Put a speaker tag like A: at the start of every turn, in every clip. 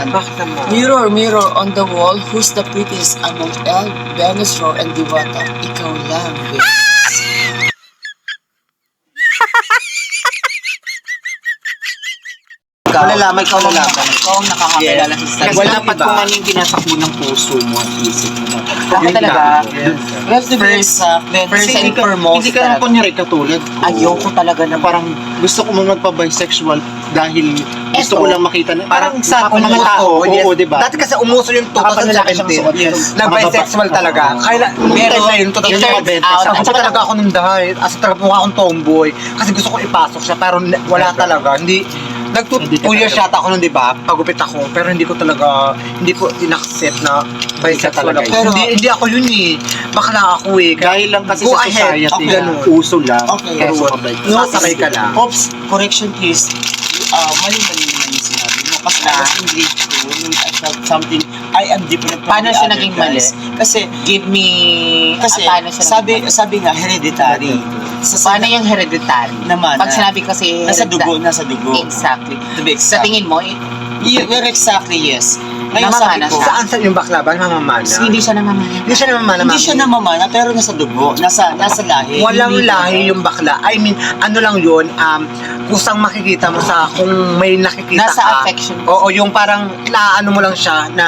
A: Bakit naman?
B: Mirror, mirror on the wall, who's the prettiest among Elle, Venus, Ro, and Diwata? Ikaw lang, Venus.
A: Malalaman, ikaw malalaman.
B: Ikaw ang nakakakilala sa
A: Kasi
B: sarili.
A: wala pa kung ano yung tinatakbo ng puso mo at isip mo.
B: Ako
A: Yun
B: talaga.
A: lang.
B: We have to be exact, then
A: First
B: and
A: and
B: foremost
A: hindi ka lang
B: talaga.
A: kunyari katulad ko.
B: Ayoko talaga
A: Na
B: na
A: parang gusto ko mong magpa-bisexual dahil gusto ko lang makita na
C: Parang sa
A: mga tao, oo, diba?
C: Dati kasi umuso yung
A: Nakapanlalaki siyang suot.
C: 2017.
A: Yes.
C: Nag-bisexual talaga. Kaya nung
B: Pero,
C: time na yun,
B: it turns
C: 2020,
B: out,
C: sabi ko talaga ako nung dahil. As talaga mukha akong tomboy. Kasi gusto ko ipasok siya, pero wala talaga. Hindi,
A: Hindi ka
C: 2 years
A: talaga.
C: yata ako nun, di ba? Pagupit ako. Pero hindi ko talaga, hindi ko in-accept na bisexual
A: talaga
C: ako.
A: yun.
C: Pero hindi ako yun eh. Bakla ako eh.
A: Dahil lang kasi
C: Go
A: sa
C: ahead.
A: society,
C: Okay, ganun.
A: uso lang.
B: Okay,
A: Pero
B: yes.
A: sumabay ka.
C: Sasabay ka lang.
B: Oops, correction please. Mali-mali naman yung sinabi mo. Kasi I was in grade 2, nung I felt something, I am different from
D: Paano
B: the
D: siya
B: other
D: naging
B: guys. Kasi,
D: Give me...
B: kasi
D: paano siya
B: sabi nga, hereditary.
D: paano yung hereditary?
B: Naman,
D: Pag sinabi kasi
B: nasa dugo,
D: hereditary.
B: nasa dugo.
D: Exactly.
B: To be
D: Sa
B: exact.
D: tingin mo,
B: Yeah, very exactly, yes. Ngayon sabi
D: Namamana
B: ko,
D: siya.
C: Saan yung bakla ba? Mamamana?
D: hindi siya namamana.
C: Hindi siya namamana.
B: hindi siya namamana, pero nasa dugo, nasa lahi.
C: Walang
B: Hindi
C: lahi yung bakla. I mean, ano lang yun, kusang makikita mo sa kung may nakikita
D: Nasa
C: ka.
D: affection.
C: Oo, yung parang naano mo lang siya na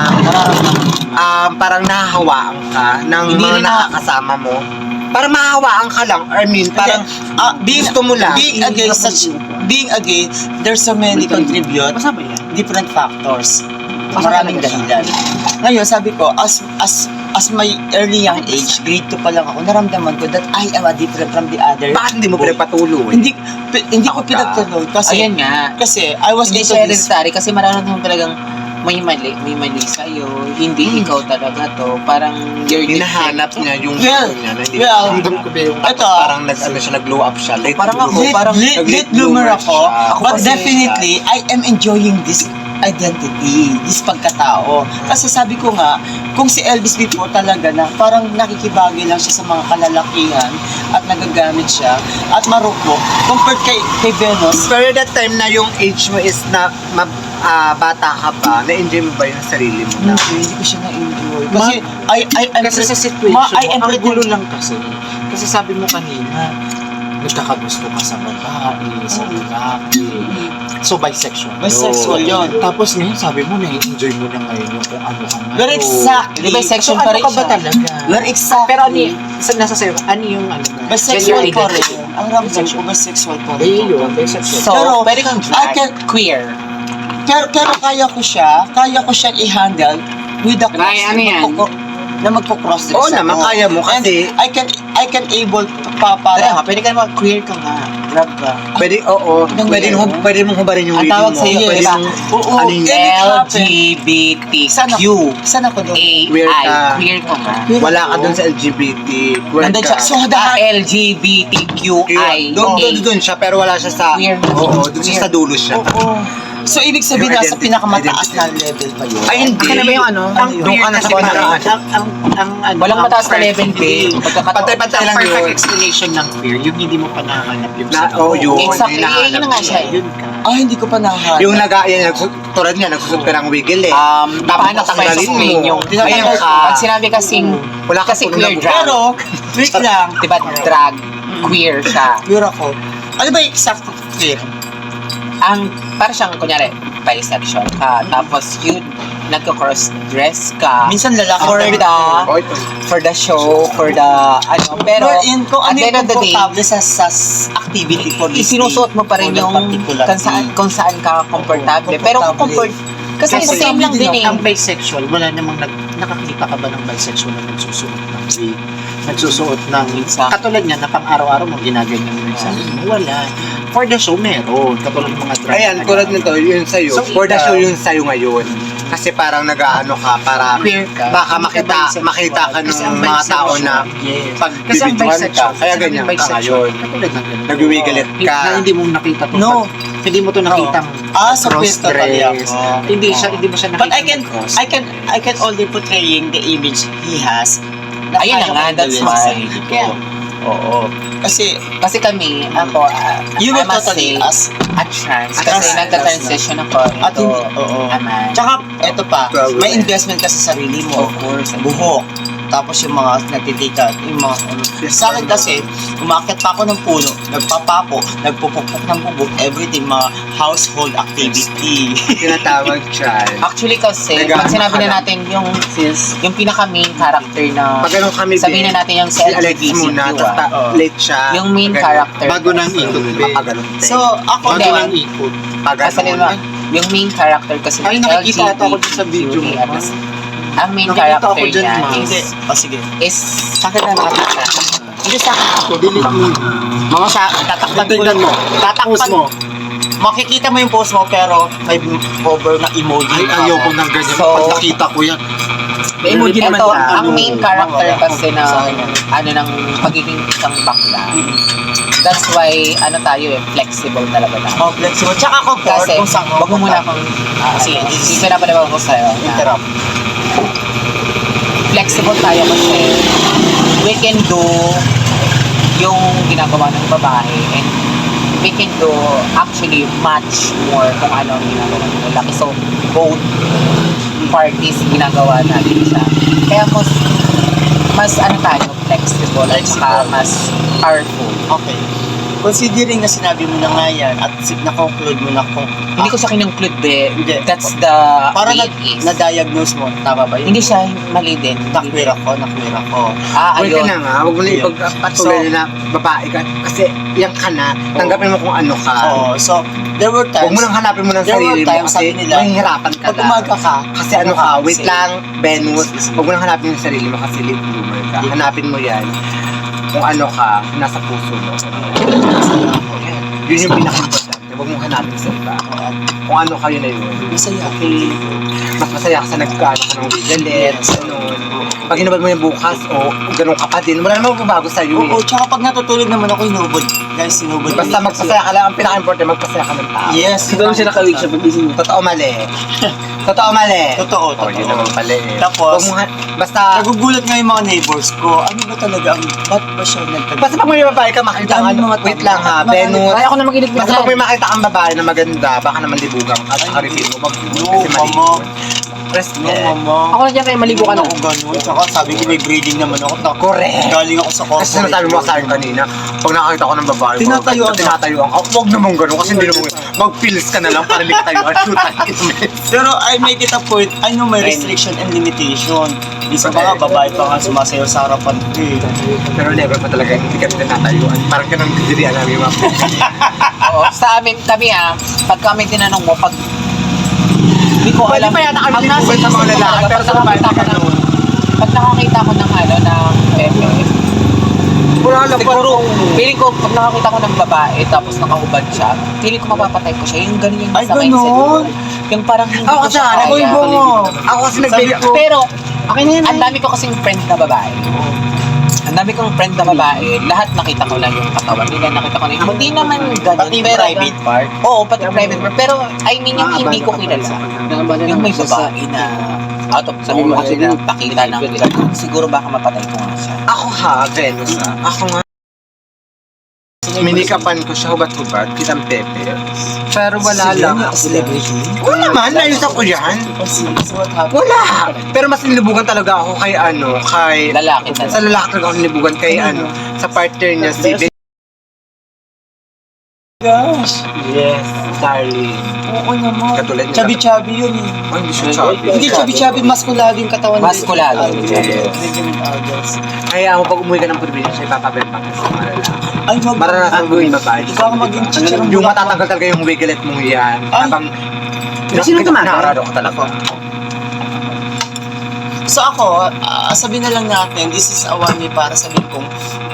C: parang nahahawaan ka ng
D: Hindi
C: mga
D: rin na-
C: nakakasama mo. Parang mahahawaan ka lang. I mean, parang gusto mo lang.
B: Being a gay, there's so many contribute, different factors. Maraming dahilan. Ngayon, sabi ko, as my early young age, grade 2 pa lang ako, naramdaman ko that I am a different from the other.
C: Bakit hindi mo
B: boy.
C: pinagpatuloy?
B: Hindi ko pinagtuloy kasi
D: Ayun nga.
B: kasi I was
D: Hindi
B: into
D: siya
B: this.
D: hereditary kasi mararamdaman talagang may mali sa'yo. Hindi ikaw talaga to. Parang you're
C: Hinahanap niya yung
B: Well,
C: gusto niya. Na hindi
B: well,
C: Ramdam ko ba yung
B: ito,
C: parang nag-glow up siya. Late
D: Parang ako,
C: bloomer.
D: parang
B: late bloomer ako,
C: siya.
B: but
D: kasi
B: definitely I am enjoying this identity, this pagkatao. Kasi sabi ko nga, kung si Elvis before talaga na parang nakikibagay lang siya sa mga kalalakihan at nagagamit siya at marupok compared kay Venus.
C: Pero that time na yung age mo is na bata ka pa, na-enjoy mo ba yung sarili mo? Na?
B: Hindi ko siya na-enjoy. Kasi I'm
A: Kasi sa
B: I
A: situation
B: am
A: mo, ang
B: pretty-
A: gulo lang kasi. Kasi sabi mo kanina, nagkakagusto ka sa babae, sa lalaki. So, bisexual.
B: Bisexual yun.
A: Tapos ngayon, sabi mo, na-enjoy mo na ngayon yung kung ano ka ngayon.
B: Very exactly.
D: Di ba, section
A: So,
D: pa
A: ano
D: rin
A: ka ba
D: siya?
A: talaga?
B: Very exactly.
A: Pero ano yung, nasa sa'yo, ano yung ano na?
B: Bisexual
A: gender
B: pa rin.
A: identity?
B: Ang ramdam ko, bisexual pa rin.
A: Eh, yun, bisexual.
D: So,
B: Pero,
D: pwede kang
B: I
D: drag.
B: can-
D: Queer.
B: Pero kaya ko siyang i-handle with the cross.
D: Kaya ano yan?
B: Na magpo-cross dress
C: Oo naman, kaya mo kasi.
B: I can able
D: Kaya
B: para
D: nga, pwede ka naman queer ka nga. Drag ka.
C: Pwede, oo.
B: Ang
C: Pwede mong hubarin yung
D: Ang
C: reading
D: tawag
C: mo.
D: sa'yo,
C: Pwede
D: di ba?
C: mong,
B: Oo,
C: ano yun,
B: eh,
D: LGBTQ.
B: Saan ako doon?
C: Queer
D: AI.
C: ka.
D: Queer ka nga.
C: wala ka dun sa LGBT.
B: Nandun siya. So,
D: LGBTQI.
C: Doon siya, pero wala siya sa,
D: Queer.
C: oo, doon siya sa dulo siya.
B: Oo. So, ibig sabihin
C: Yung
B: nasa
C: identity-
B: pinakamataas
C: identity.
B: na level pa yun.
C: Ay, hindi.
A: Ano ba yung ano?
C: Ang doon ka na sa pinaraan.
D: Walang mataas na level, babe.
C: Pantay-pantay lang
A: perfect
C: yun.
A: explanation ng queer, yung hindi mo pa nahanap yung
C: Na,
A: sa
C: oo, yun.
D: Exactly.
C: hinahanap
D: Yun na nga siya.
A: Yun ka.
B: Hindi ko pa nahanap.
C: Yung tulad niya, nagsusot ka ng wiggle eh.
D: Paano ka ba
C: tanggalin
D: explain
C: mo?
D: yung
C: Ayun ka.
D: pag sinabi kasing
C: Wala ka
D: kasi
C: pong
D: queer
C: nabuo.
D: drag.
B: Pero, wait lang.
D: Diba drag? Queer siya.
B: Pure ako. Ano ba yung exact queer?
D: Ang para siyang kunyari bisexual ka tapos yun nagko-cross dress ka
B: Minsan lalaki.
D: for the
C: Oh, ito.
D: for the show for the ano pero
B: Wherein, kung
D: at
B: ano
D: the end
B: yung
D: of the day
B: komportable sa activity for this
D: isinusuot mo pa rin
B: day,
D: yung
B: for that particular day.
D: kung saan ka komportable pero kung kasi
B: Kasi
D: same lang din eh
A: Ang bisexual, wala namang nakakita ka ba ng bisexual na nagsusuot ng wig? Nagsusuot ng katulad niya na pang araw-araw mo ginaganyan mo yung sarili mo. Wala. For the show, meron. Katulad ng mga drag.
C: Ayan, tulad nito, yun sa'yo.
A: So,
C: For the
A: ikaw-
C: show yun sa'yo ngayon. Kasi parang nag-aano ka, para
D: queer ka
C: baka
A: Hindi ka bisexual.
C: makita ka
A: Kasi ang
C: ng mga tao na
A: yes.
C: pag
A: Kasi ang
C: bibidyohan ka,
A: bisexual,
C: kaya ganyan ka ngayon.
A: Katulad ng ganun.
C: Nagwiwigalit ka.
A: Na hindi mo nakita to.
B: No.
A: Hindi mo to nakitang
B: So queer totally ako.
A: Hindi mo siya nakita.
B: But I can only portraying the image he has.
D: Ayun na nga, that's why.
B: Kaya, oo. Kasi,
D: Kasi kami, ako,
B: you were
D: I must
B: totally
D: say, a trans.
B: a
D: Kasi
B: trans.
D: nagka-transition ako
B: At
D: into
B: hindi, oo.
D: a man.
B: Tsaka, eto pa,
C: 12
B: may investment ka sa sarili mo.
D: Of course.
B: Buhok. Tapos yung mga nagtitika, yung mga ano. Sa akin kasi, umakyat pa ako ng puno, nagpapapo, nagpupukpuk ng bubog, everything, mga household activity.
C: Tinatawag child.
D: Actually kasi,
C: Nag-ano
D: pag sinabi
C: ka
D: na
C: lang.
D: natin yung pinaka-main character na,
C: Pag ganun kami,
D: sabihin na natin yung
C: si Alex muna, tapos
B: Oo.
C: late siya.
D: Yung main
C: Pag ganun.
D: character.
A: Bago nang ikot,
C: Pagaganon.
B: So, ako,
A: Bago
D: Hindi.
A: nang ikot.
D: Kasi
C: Pagaganon.
D: yung main character kasi
A: Ay,
D: ng
A: nakikita ata ako dyan sa video mo.
D: ang main
A: Nakikita
D: character
A: ako dyan,
D: niya
A: ma.
B: hindi.
D: is,
B: O, sige.
D: is sa akin na nakakita. Hindi sa akin.
A: Ako, delete mo.
B: Mga tatakpan ko
A: Tingnan mo.
B: Tatakpan
A: Post mo.
B: Makikita mo yung post mo, pero may cover na emoji.
A: Ay, ayoko ng ganyan.
D: So,
A: Pag nakita ko yan.
C: May emoji naman
D: Ito,
C: siya.
D: ang main character
B: Wala.
D: kasi na,
B: Sa akin yan.
D: ano, ng pagiging isang bakla. That's why, ano tayo flexible talaga na.
B: Oh, flexible. Tsaka comfort.
D: Kasi,
B: kung saan
D: wag mo muna akong,
B: Sige,
D: hindi pinapalaban ko sa'yo. na
B: interrupt.
D: Flexible tayo kasi we can do yung ginagawa ng babae and we can do actually much more kung ano ang ginagawa ng lalaki. So, both parties ginagawa natin siya. Kaya mas ano tayo, flexible at saka mas powerful.
B: Okay. Considering na sinabi mo na nga yan at na-conclude mo na kung
D: Hindi ko siya kinongclude eh.
B: Hindi.
D: That's the
B: para
D: way it is.
B: na-diagnose mo, tama ba yun?
D: Hindi siya mali din.
B: Nakwir ako.
D: Ah,
C: Huwag ka
D: ayun.
C: na nga, huwag mo na
B: Ayun.
C: ipagpatuloy na babae ka. Kasi yan ka na, tanggapin mo kung ano ka.
B: Oo. So, there were times,
C: Huwag mo lang hanapin mo ng
B: there were
C: sarili mo
B: times,
C: kasi
B: sabi nila,
C: mahihirapan ka
B: pag
C: lang.
B: umaga ka,
C: Kasi ano ka, wait
B: kasi-
C: lang, Venus. Huwag mo lang hanapin yung sarili mo kasi late bloomer ka. Hanapin mo yan kung ano ka, nasa puso mo. Yun yung pinaka-importante. Huwag mong hanapin sa iba. Kung ano kayo na yun.
B: masaya.
C: Mas masaya ka sa nagkaano ka ng wigalit, ganun. Pag hinubad mo yung bukas, o ganun ka pa din, wala namang magbabago sa'yo
B: Oo,
C: eh.
B: tsaka pag natutulog naman ako, hinubod. Guys, hinubod.
C: Basta magpasaya ka lang, ang pinaka-importante, magpasaya ka ng tao.
B: Yes.
C: Siguro siya nakawig siya pag-ising mo. Totoo mali. Totoo mali.
B: Totoo,
C: Oh, yun naman
B: totoo.
C: pala eh.
B: Tapos,
C: Huwag mong basta,
B: Nagugulat nga yung mga neighbors ko. Ano ba talaga ang, ba't ba siya nagtag...
C: basta pag may babae ka makita
B: Ang
C: ka,
B: dami mga
C: wait
B: tama.
C: lang ha,
B: Marami-
C: Venus.
D: Ay, ako na makinig
C: Basta pag may makita kang babae na maganda, baka naman libugan ka at
B: Ay,
C: haripin mo, wag
B: no,
C: kasi mali.
B: mama.
C: Respect.
B: No, mama.
D: Ako na dyan kayo maligo ka
B: Ano
D: na.
B: ko ganun? Tsaka sabi ko may breeding naman ako.
C: Correct.
B: Galing ako sa corporate.
C: Kasi sinasabi mo sa akin kanina, pag nakakita ko ng babae,
B: Tinatayuan ka.
C: tinatayuan ka. Huwag naman ganun kasi hindi naman mag-pills ka na lang para hindi ka tayuan. Shoot tayo.
B: Pero I make it a point, I know my restriction and limitation. Isa pa nga, babae pa nga sumasayaw sa harapan ko eh.
C: Pero never pa talaga hindi ka tinatayuan. Parang ganun didirian namin yung mga
D: Oo, sa amin, kami pag kami tinanong mo, pag hindi ko
C: Pwede
D: alam.
C: pa yata kami
D: ang nasa
C: libugan sa mga
D: isip ko
C: lalaki,
D: talaga,
C: pero sa babae
D: pag
C: na
D: nakakita ko ng- Pag nakakita ko ng ng pepe,
C: Wala lang
D: siguro, feeling ko, pag nakakita ko ng babae, tapos nakahubad siya, feeling ko mapapatay ko siya. Yung ganun yung
B: Ay,
D: sa mindset ko.
B: ganun?
D: Yung parang hindi
C: Ako
D: ko
C: kasi
D: siya
C: hanap ko
D: kaya.
C: yung bungo. Ako kasi nagbili ko.
D: Pero, ang dami ko kasing friend na babae. Ang dami kong friend na babae, lahat nakita ko lang yung katawan nila, nakita ko na yung, hindi naman ganun.
B: Pati yung
D: pero,
B: private part.
D: Oo, pati private part. Pero, I mean, yung hindi ko kilala. Yung may babae na out of nowhere kasi na pakita ng ganun. Siguro baka mapatay ko nga siya.
C: Ako ha, Venus ha. Ako nga. Minikapan ko siya hubat-hubat, kitang pepe. Pero wala lang.
B: Celebrity?
C: Oo naman, nayos ako yan.
B: Kasi, so what happened?
C: Wala! Pero mas nilubugan talaga ako kay ano, kay...
D: Lalaki
C: Sa
D: talaga.
C: lalaki talaga ako nilubugan kay ano, sa partner niya si
B: Gosh.
C: Yes, darling.
B: Oo naman.
C: Katulad niya.
B: Chubby-chubby yun eh.
C: Oh, hindi siya chubby.
B: Hindi chubby-chubby, maskulado yung katawan.
D: Maskulado.
C: Yes.
B: Yes.
C: Kaya ako pag umuwi ka ng probinsya, ipapabalik pa sa mga lalaki.
B: Ay, wag.
C: Maranasan mo yung babae.
B: Ikaw ang maging chichirang
C: Yung
B: bulaklak.
C: matatanggal talaga yung wigalet mong yan.
B: Ay.
C: Habang...
B: Sino tumatay?
C: Nakarado ka talaga.
B: So ako, sabihin na lang natin, this is a one way para sabihin kong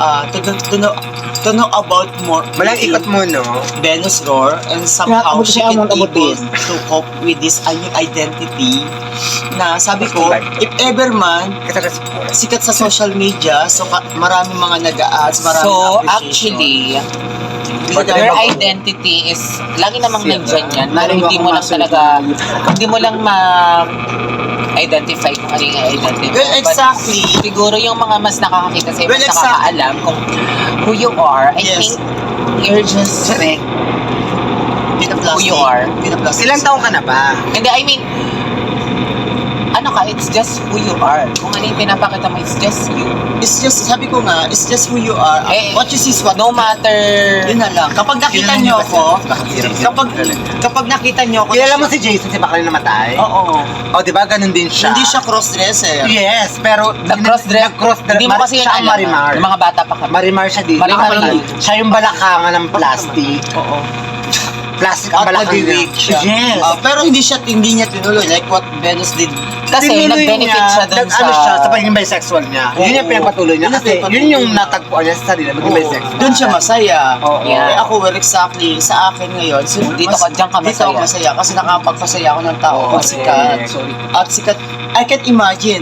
B: to know about more
C: Walang ikot mo, no?
B: Venus Roar and somehow she can able to cope with this new identity na sabi ko, if ever man
C: Kasi kasi
B: sikat sa social media, so maraming mga nag-a-ads, maraming
D: So,
B: appreciation.
D: actually, your identity is, lagi namang nandyan yan, pero hindi mo lang talaga, hindi mo lang identify kung ano yung identity.
B: Well, exactly.
D: But siguro yung mga mas nakakakita sa'yo,
B: Well,
D: mas
B: exactly.
D: nakakaalam kung who you are. I
B: Yes.
D: think you're just
C: Correct.
D: who you are.
B: Pinaplastic.
C: Ilang taong ka na ba?
D: Hindi, I mean, ano ka, it's just who you are. Kung ano yung pinapakita mo, it's just you.
B: It's just, sabi ko nga, it's just who you are.
D: Eh,
B: What you see is what
D: No matter...
B: Yun na lang. Kapag nakita nyo ako, kapag nakita nyo ako,
C: Kilala mo si Jason, si Bakal namatay?
B: Oo.
C: O, di ba? Ganun din siya.
B: Hindi siya cross-dresser.
C: Yes, pero...
D: Nag-cross-dress.
C: Nag-cross-dress.
D: Hindi mo kasi yun
C: siya ang
D: alam.
C: Marimar.
D: Yung mga bata pa kami.
C: Marimar siya din.
D: Marimar
C: Nakapal-
D: din.
C: Siya yung balakangan ng plastic.
B: Oo.
C: Plastic ang
B: At
C: balakang
B: nag-wig siya.
C: Yes.
B: Pero hindi niya tinuloy. Like what Venus did.
D: Kasi
C: Tinuloy
D: nag-benefit
C: niya,
D: siya dun
C: Ano siya, sa pagiging bisexual niya. Yun yung
B: Oo.
C: pinagpatuloy niya.
B: Yun ang
C: Kasi
B: pinagpatuloy
C: yun yung
B: niya.
C: natagpuan niya sa sarili, maging
B: Oo.
C: bisexual.
B: Doon siya masaya.
C: Oo.
D: Yeah.
B: Eh ako, well, exactly. Sa akin ngayon,
D: Dito ka, diyan ka
B: Dito ako
D: masaya.
B: masaya kasi nakapagpasaya ako ng tao.
C: Oo,
B: At sikat.
C: sorry.
B: At sikat. I can imagine.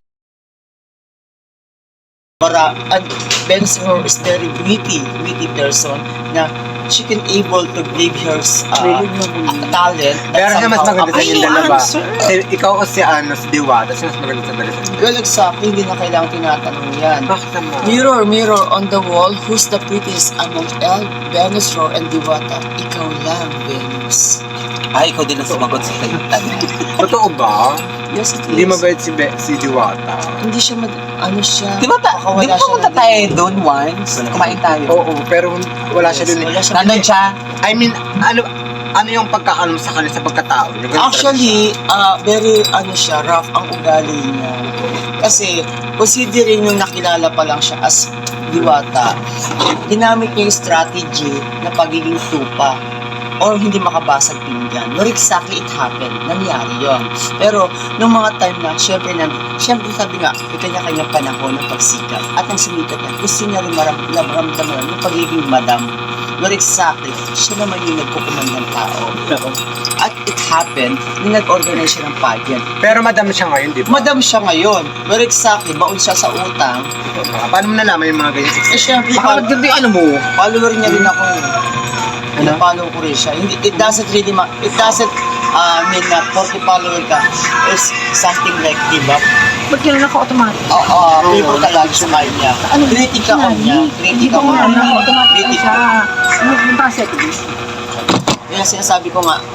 B: And Venus is very witty person na she can able to give her talent. that
C: Pero siya mas
B: somehow
C: maganda sa
B: appeals.
C: inyong dalawa. Ikaw o si si Diwata, siya mas maganda sa dalawa.
B: Well, exactly. Hindi na kailangan tinatanong yan.
C: Bakit naman?
B: Mirror, mirror on the wall, who's the prettiest among Venus, Roar, and Diwata? Ikaw lang, Venus.
D: Ay, ikaw din ang sumagot sa tanong.
C: Totoo ba?
B: Yes, it is.
C: Hindi mabait si Diwata.
B: Hindi siya ano siya.
D: Di ba
B: nakakawala siya
D: pumunta
B: ng-
D: tayo doon once? Kumain tayo.
C: Oo, pero wala siya dun.
B: Wala siya.
D: Nandun siya.
C: I mean, ano yung pagkakaano sa kanya sa pagkatao? Yung ganun
B: Actually, very siya, rough ang ugali niya. Kasi, considering nung nakilala pa lang siya as Diwata, ginamit niya yung strategy na pagiging tupa or hindi makabasag pinggan. Not exactly it happened. Nangyari yon. Pero, nung mga time na, syempre sabi nga, may kanya-kanyang panahon ng pagsikat. At ang sumikat niya, gusto niya rin maramdaman yung pagiging madam. Not exactly, siya naman yung nagkukuman ng tao. At it happened, nung nag-organize siya ng pageant.
C: Pero madam siya ngayon, di ba?
B: Madam siya ngayon. Not exactly, baon siya sa utang.
C: Paano mo nalaman yung mga ganyan?
B: Eh, syempre,
C: Baka maganda yung ano mo.
B: follower niya rin ako. Follow ko rin siya. Hindi, it doesn't mean na 40 follower ka is something like give up.
A: Ba't yun naka-automatic?
B: Oo, people ka lagi sa mind niya. Critic ako niya. Critic ako. Critic ako.
A: Yung seconds.
B: Kaya sinasabi ko nga,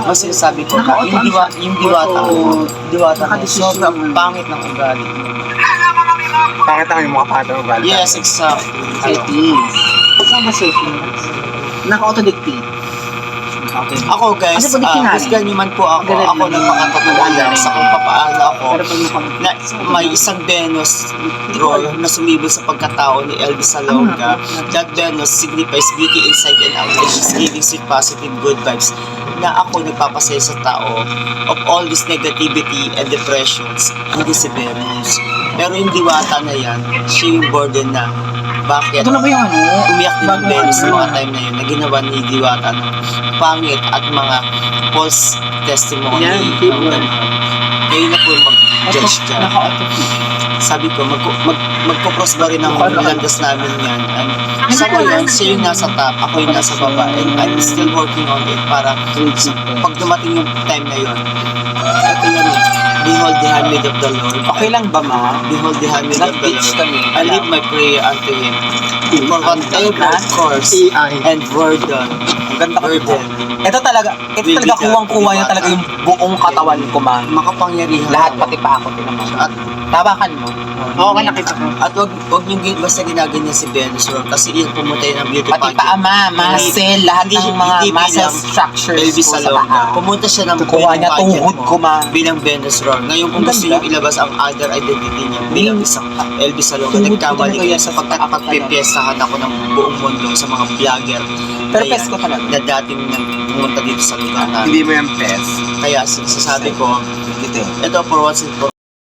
B: yung diwata ko, sobrang pangit ng ugali.
C: Bakit ang yung mga patang ugali?
B: Yes, exactly.
A: Kasama seconds. Naka-auto-dictate.
B: Ako guys,
A: Ano ba di
B: husgan niyo man po ako, ako nagpakatotoo lang sa kung papaano ako na may isang Venus role na sumibol sa pagkatao ni Elvis Salonga. That Venus signifies beauty inside and out, and she's giving sweet positive good vibes na ako nagpapasaya sa tao of all this negativity and depressions, hindi si Venus. Pero yung diwata na yan, siya yung burden na bakit
A: Ito na ba yung ano?
B: umiyak din yung Venus sa mga time na yun na ginawa ni Diwata ng pangit at mga false testimony.
A: Yan,
B: ng
A: people.
B: ganun. Kayo na po yung mag-judge dyan.
A: Naka-auto.
B: Sabi ko, magpo-cross ba rin ang landas namin yan. And sa ngayon, siya yung nasa top, ako yung nasa baba. And I'm still working on it para pag dumating yung time na yun, ito yan eh. Behold the handmaid of the Lord.
D: Okay lang ba, ma?
B: Behold the handmaid of the
D: Nag-beach
B: Lord.
D: kami.
B: I leave my prayer unto Him. For whatever course and burden.
D: Ang ganda ko.
B: Burden.
D: Ito talaga kuwang-kuwa niya talaga yung buong katawan ko, ma.
B: Makapangyarihan.
D: Lahat pati pa ako tinaman.
B: At
D: Tabakan mo.
A: Oo, nakita ko.
B: At wag niyo basta ginaganyan si Venus Roar kasi yun pumunta yun ng beauty
D: Pati
B: pageant.
D: pa ama, muscle, lahat
B: Hindi-
D: ng mga
B: hindi
D: muscle
B: bilang
D: structures
B: Elvis
D: ko sa
B: Salonga.
D: paa.
B: Pumunta siya ng
D: Kukuha niya
B: beauty pageant
D: tuhod
B: mo
D: ko, ma.
B: bilang Venus Roar. Ngayon kung
D: Ang
B: gusto
D: ganda.
B: niyo ilabas ang other identity niya bilang isang Elvis Salonga,
D: Tuhod ko
B: nagkamali
D: talaga
B: kayo
D: yan
B: sa
D: sa
B: pagpipiyestahan ako ng buong mundo sa mga vlogger.
D: Pero
B: Kaya,
D: pes ko talaga.
B: na dating pumunta dito sa lugar namin.
C: Hindi mo yung pes.
B: Kaya sinasabi ko,
D: Ito.
B: ito for once and for